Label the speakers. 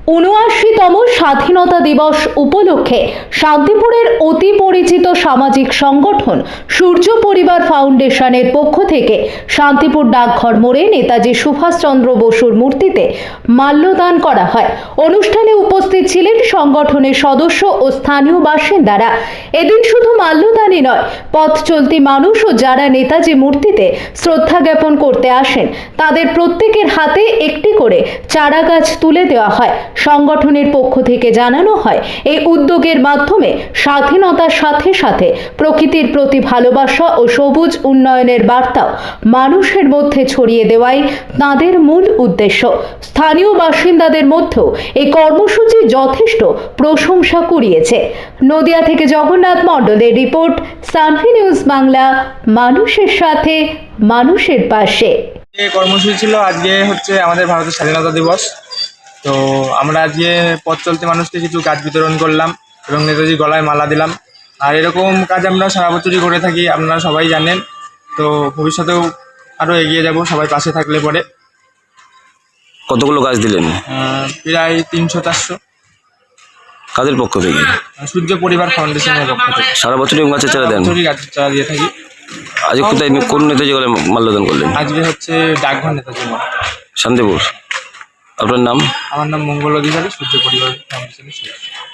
Speaker 1: ৭৯তম স্বাধীনতা দিবস উপলক্ষে শান্তিপুরের অতি পরিচিত সামাজিক সংগঠন সূর্য পরিবার ফাউন্ডেশনের পক্ষ থেকে শান্তিপুর ডাকঘর মোড়ে নেতাজি সুভাষচন্দ্র বসুর মূর্তিতে মাল্যদান করা হয়। অনুষ্ঠানে উপস্থিত ছিলেন সংগঠনের সদস্য ও স্থানীয় বাসিন্দারা। এদিন শুধু মাল্যদানই নয়, পথ চলতি মানুষ ও যারা নেতাজি মূর্তিতে শ্রদ্ধা জ্ঞাপন করতে আসেন তাদের প্রত্যেকের হাতে একটি করে চারা গাছ তুলে দেওয়া হয়। সংগঠনের পক্ষ থেকে জানানো হয়, এই উদ্যোগের মাধ্যমে স্বাধীনতার সাথে সাথে প্রকৃতির প্রতি ভালোবাসা ও সবুজ উন্নয়নের বার্তাও মানুষের মধ্যে ছড়িয়ে দেওয়াই তাদের মূল উদ্দেশ্য। স্থানীয় বাসিন্দাদের মধ্যেও এই কর্মসূচি যথেষ্ট প্রশংসা কুড়িয়েছে। নদিয়া থেকে জগন্নাথ মণ্ডলের রিপোর্ট, সানভি নিউজ বাংলা, মানুষের সাথে মানুষের পাশে।
Speaker 2: কর্মসূচি ছিল আজকে হচ্ছে আমাদের ভারতের স্বাধীনতা দিবস। তো আমরা আজকে পথ চলতি মানুষকে কিছু গাছ বিতরণ করলাম এবং নেতাজি গলায় মালা দিলাম। আর এরকম কাজ আমরা সারা বছরই করে থাকি, আপনারা সবাই জানেন। তো ভবিষ্যতেও আরও এগিয়ে যাব সবাই পাশে থাকলে পরে।
Speaker 3: কতগুলো গাছ দিলেন?
Speaker 2: প্রায় 300-400।
Speaker 3: কাদের পক্ষ থেকে?
Speaker 2: সূর্য পরিবার ফাউন্ডেশনের পক্ষ থেকে।
Speaker 3: সারা বছরই গাছের চারা দেন?
Speaker 2: গাছের চারা দিয়ে থাকি।
Speaker 3: আজ কোথায়, কোন নেতাজি গলায় মাল্যদান করলেন?
Speaker 2: আজকে হচ্ছে ডাকঘর নেতাজি মোড়,
Speaker 3: শান্তিপুর। আপনার নাম?
Speaker 2: আমার নাম মঙ্গল অধিকারী, সূর্য পরিবার ফাউন্ডেশনের সদস্য।